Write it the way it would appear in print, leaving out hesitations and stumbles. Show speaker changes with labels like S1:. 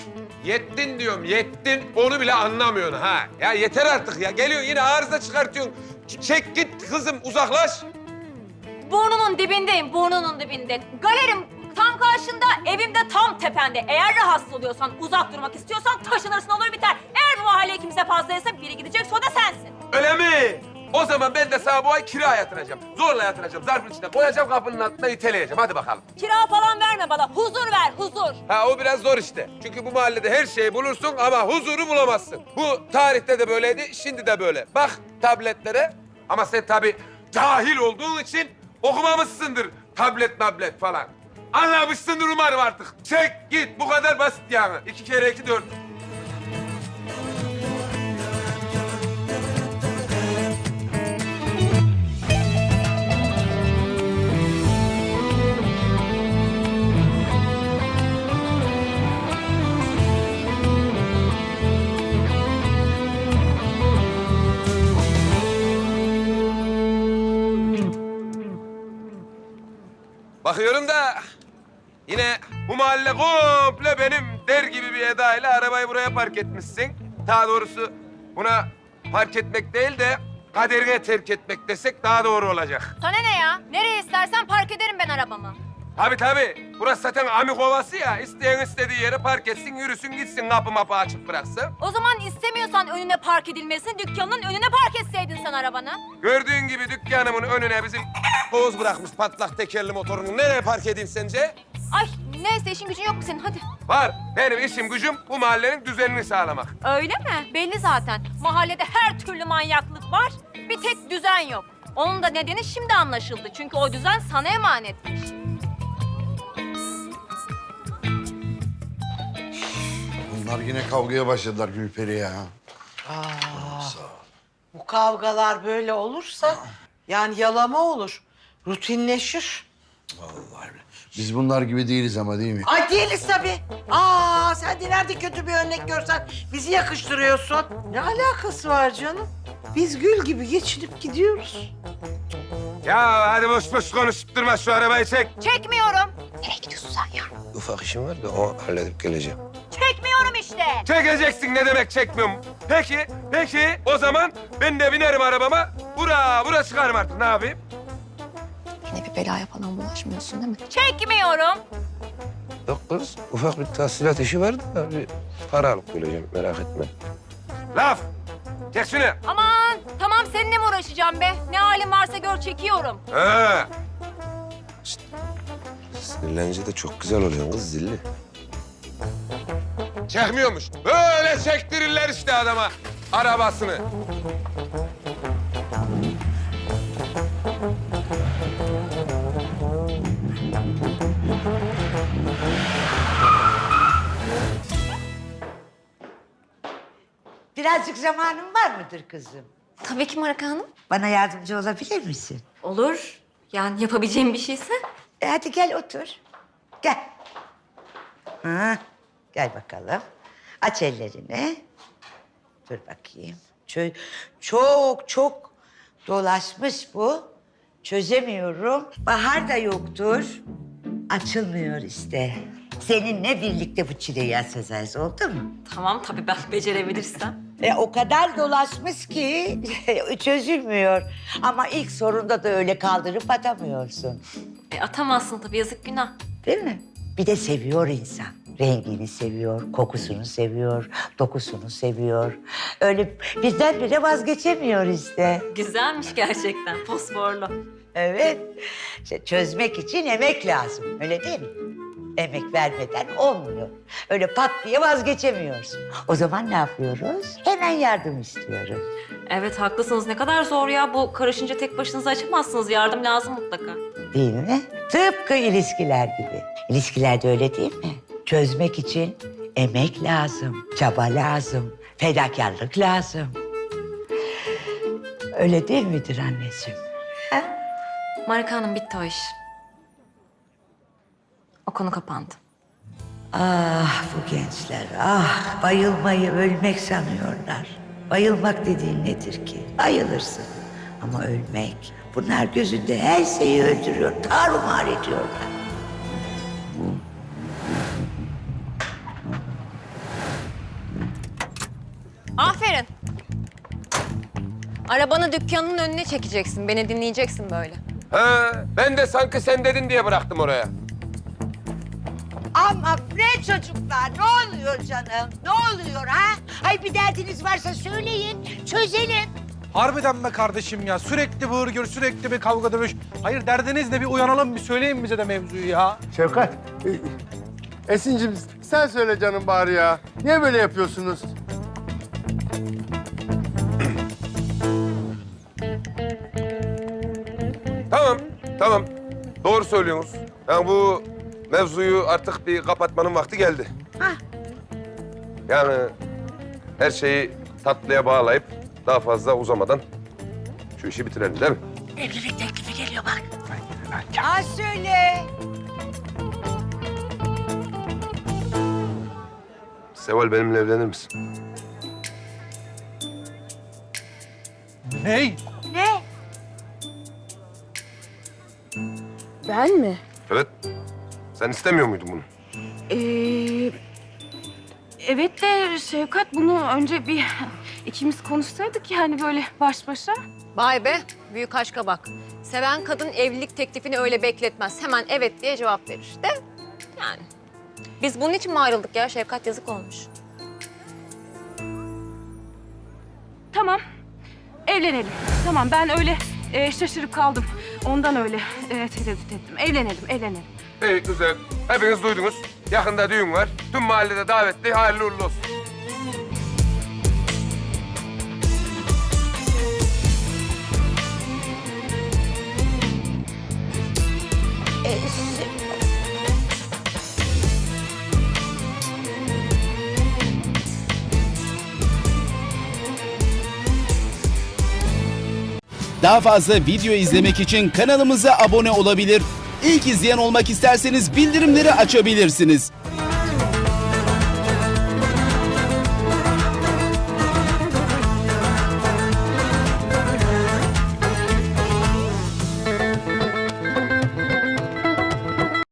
S1: Yettin diyorum, yettin. Onu bile anlamıyorsun ha. Ya yeter artık ya. Geliyorsun yine arıza çıkartıyorsun. Çek git kızım, uzaklaş.
S2: Burnunun dibindeyim, burnunun dibinde. Galerim tam karşında, evim de tam tepende. Eğer rahatsız oluyorsan, uzak durmak istiyorsan taşınırsın, olur biter. Eğer bu mahalle kimse fazlaysa biri gidecek, o da sensin.
S1: Öyle mi? O zaman ben de sana bu ay kira yatıracağım. Zorla yatıracağım. Zarfın içine koyacağım, kapının altına iteleyeceğim. Hadi bakalım.
S2: Kira falan verme bana, huzur ver, huzur.
S1: Ha o biraz zor işte. Çünkü bu mahallede her şeyi bulursun ama huzuru bulamazsın. Bu tarihte de böyleydi, şimdi de böyle. Bak tabletlere ama sen tabii cahil olduğun için okumamışsındır tablet falan. Anlamışsındır umarım artık. Çek git, bu kadar basit yani. 2 kere 2 4. Bakıyorum da yine bu mahalle komple benim der gibi bir edayla arabayı buraya park etmişsin. Daha doğrusu buna park etmek değil de kaderine terk etmek desek daha doğru olacak.
S2: Sana ne ya? Nereye istersen park ederim ben arabamı.
S1: Tabii. Burası zaten amik ovası ya. İsteyen istediği yere park etsin, yürüsün, gitsin. Kapı mapı açık bıraksın.
S2: O zaman istemiyorsan önüne park edilmesini, dükkanının önüne park etseydin sen arabanı.
S1: Gördüğün gibi dükkanımın önüne bizim Oğuz bırakmış patlak tekerli motorunu. Nereye park edeyim sence?
S2: Ay neyse, işin gücün yok mu senin? Hadi.
S1: Var. Benim işim gücüm bu mahallenin düzenini sağlamak.
S2: Öyle mi? Belli zaten. Mahallede her türlü manyaklık var. Bir tek düzen yok. Onun da nedeni şimdi anlaşıldı. Çünkü o düzen sana emanetmiş.
S3: Bunlar yine kavgaya başladılar Gülperi ya.
S4: Bu kavgalar böyle olursa yani yalama olur. Rutinleşir.
S3: Vallahi öyle. Biz bunlar gibi değiliz ama değil mi?
S4: Ay değiliz tabii. Sen de nerede kötü bir örnek görsen bizi yakıştırıyorsun. Ne alakası var canım? Biz gül gibi geçinip gidiyoruz.
S1: Ya hadi boş boş konuşup durma, şu arabayı çek.
S2: Çekmiyorum.
S1: Ufak işim var da o halledip geleceğim.
S2: Çekmiyorum işte.
S1: Çekeceksin, ne demek çekmiyorum. Peki o zaman ben de binerim arabama. Bura çıkarım artık, ne yapayım?
S5: Yine bir belaya falan bulaşmıyorsun değil mi?
S2: Çekmiyorum.
S6: Yok kız, ufak bir tahsilat işi var da bir para alıp geleceğim, merak etme.
S1: Laf! Çek şunu.
S2: Aman tamam, seninle mi uğraşacağım be? Ne halin varsa gör, çekiyorum.
S1: Ha.
S6: Sinirlenince de çok güzel oluyorsun kız zilli.
S1: Çekmiyormuş. Böyle çektirirler işte adama arabasını.
S7: Birazcık zamanın var mıdır kızım?
S5: Tabii ki Marika Hanım.
S7: Bana yardımcı olabilir misin?
S5: Olur. Yani yapabileceğim bir şeyse.
S7: Hadi gel otur. Gel. Gel bakalım. Aç ellerini. Dur bakayım. Çok dolaşmış bu. Çözemiyorum. Bahar da yoktur. Açılmıyor işte. Seninle birlikte bu çileyi açacağız, oldu mu?
S5: Tamam tabii, ben becerebilirsem.
S7: O kadar dolaşmış ki çözülmüyor. Ama ilk sorunda da öyle kaldırıp atamıyorsun.
S5: Atamazsın tabii, yazık günah.
S7: Değil mi? Bir de seviyor insan. Rengini seviyor, kokusunu seviyor, dokusunu seviyor. Öyle birdenbire vazgeçemiyor işte.
S5: Güzelmiş gerçekten, fosforlu.
S7: Evet. İşte çözmek için emek lazım, öyle değil mi? Emek vermeden olmuyor. Öyle pat diye vazgeçemiyorsun. O zaman ne yapıyoruz? Hemen yardım istiyoruz.
S5: Evet haklısınız, ne kadar zor ya. Bu karışınca tek başınıza açamazsınız, yardım lazım mutlaka.
S7: Değil mi? Tıpkı ilişkiler gibi. İlişkilerde öyle değil mi? Çözmek için emek lazım, çaba lazım, fedakarlık lazım. Öyle değil midir anneciğim?
S5: Marika Hanım, bitti o iş. O konu kapandı.
S7: Ah bu gençler, bayılmayı ölmek sanıyorlar. Bayılmak dediğin nedir ki? Bayılırsın ama ölmek. Bunlar gözünde her şeyi öldürüyor, tarumar ediyorlar.
S2: Aferin. Arabanı dükkanının önüne çekeceksin. Beni dinleyeceksin böyle.
S1: Ha, ben de sanki sen dedin diye bıraktım oraya.
S7: Ama ne çocuklar, ne oluyor canım? Ne oluyor ha? Ay bir derdiniz varsa söyleyin, çözelim.
S8: Harbiden be kardeşim ya. Sürekli bağır gör, sürekli bir kavga dövüş. Hayır derdiniz ne? Bir uyanalım, bir söyleyin bize de mevzuyu ya.
S9: Şefkat, Esin'cim sen söyle canım bari ya. Niye böyle yapıyorsunuz?
S1: Tamam. Doğru söylüyorsunuz. Yani bu mevzuyu artık bir kapatmanın vakti geldi. Yani her şeyi tatlıya bağlayıp daha fazla uzamadan şu işi bitirelim değil mi?
S7: Evlilik teklifi geliyor bak. Ha söyle.
S1: Seval benimle evlenir misin?
S8: Ney?
S7: Ne?
S10: Ben mi?
S1: Evet. Sen istemiyor muydun bunu?
S10: Evet de Şevkat bunu önce bir ikimiz konuşsaydık yani böyle baş başa.
S2: Vay be, büyük aşka bak. Seven kadın evlilik teklifini öyle bekletmez. Hemen evet diye cevap verir. De yani. Biz bunun için mi ayrıldık ya? Şefkat yazık olmuş.
S10: Tamam, evlenelim. Tamam ben öyle şaşırıp kaldım. Ondan öyle tereddüt ettim. Evlenelim.
S1: İyi, güzel. Hepiniz duydunuz. Yakında düğün var. Tüm mahallede davetli. Hayırlı uğurlu olsun.
S11: Daha fazla video izlemek için kanalımıza abone olabilir. İlk izleyen olmak isterseniz bildirimleri açabilirsiniz.